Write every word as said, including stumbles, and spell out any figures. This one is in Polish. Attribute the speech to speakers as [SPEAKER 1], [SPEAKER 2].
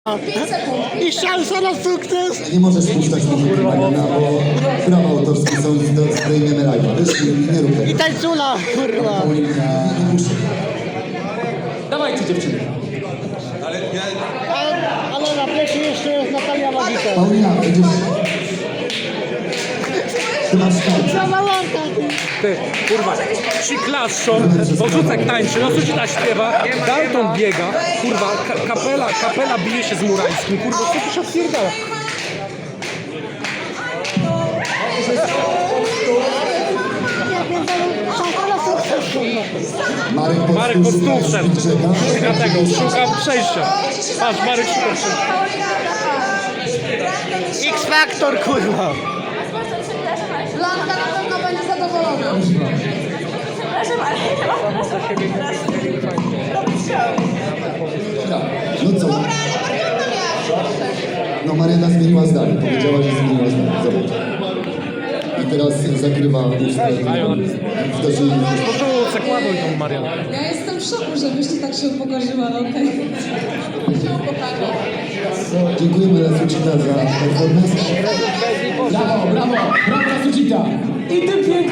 [SPEAKER 1] I szansa na sukces!
[SPEAKER 2] Nie możesz puszczać muzyki Mariana, bo prawa autorskie są, zdejmiemy live'a. Wiesz, nie, nie rób tego.
[SPEAKER 1] I tańcula, kurwa!
[SPEAKER 2] Paulina, nie puszczaj.
[SPEAKER 3] Dawajcie dziewczyny.
[SPEAKER 1] Ale, ale na plecie jeszcze jest Natalia Magika.
[SPEAKER 2] Paulina, będziesz... Ty masz tańczyć.
[SPEAKER 1] Zawalonka!
[SPEAKER 3] Ty, kurwa, ci klaszczą, Bożucek tańczy, Rosucita śpiewa, Dalton biega, kurwa, ka kapela, kapela bije się z Murańskim, kurwa, co tu się odpierdala?
[SPEAKER 1] Szansa na sukces, kurwa!
[SPEAKER 2] Marek po
[SPEAKER 3] Marek pod stół wszedł, szuka tego, szuka przejścia. Patrz, Marek szuka przejścia.
[SPEAKER 1] X-Factor, kurwa!
[SPEAKER 4] Blanka na pewno będzie zadowolona. Przepraszam, ale nie mam za siebie.
[SPEAKER 2] No co? No Mariana zmieniła zdanie. Powiedziała, że zmieniła zdanie. Zobacz. I teraz zakrywa usta. Zdarzyli.
[SPEAKER 3] Bożucek, ładuj tą Marianę.
[SPEAKER 4] Ja jestem w szoku, żebyś ty tak się upokorzyła, ale okej. Się upokarza.
[SPEAKER 2] Dziękujemy Rasucita za performance.
[SPEAKER 5] Brawo, brawo, brawo Rasucita! I tym pięknym